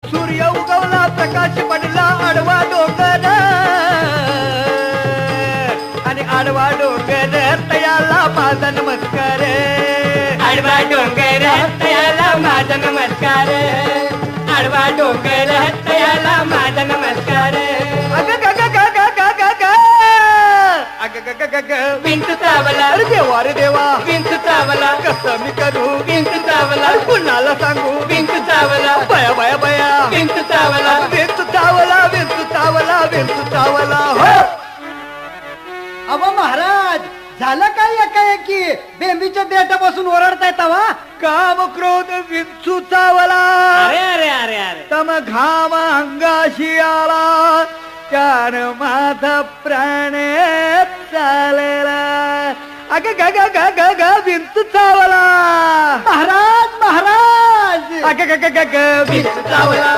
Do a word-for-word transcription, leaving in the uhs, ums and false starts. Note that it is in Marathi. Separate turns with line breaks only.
सूर्य उगवला प्रकाश पडला आडवा डोंगर आणि आडवा डोंगर तयाला माझा नमस्कार
आडवा डोंगर तयाला माझा नमस्कार आडवा डोंगर तयाला माझा नमस्कार
अग ग ग ग ग ग ग ग अग ग ग ग ग
विंचू चावला
अरे देवा रे देवा
विंचू चावला
कसं मी करू
विंचू चावला
अरे कुणाला सांगू
विंचू चावला
बया बया बया
विंचू चावला
विंचू चावला विंचू चावला विंचू चावला हो
अहो महाराज झालं काय एकाएकी बेंबीच्या देठापासून ओरडताय तवा
काम क्रोध विंचू चावला
अरे अरे अरे अरे
तम घाम अंगाशी आला त्यान माझा प्राण चालेला अग ग ग ग ग ग विंचू चावला
महाराज महाराज
अग ग ग ग ग विंचू चावला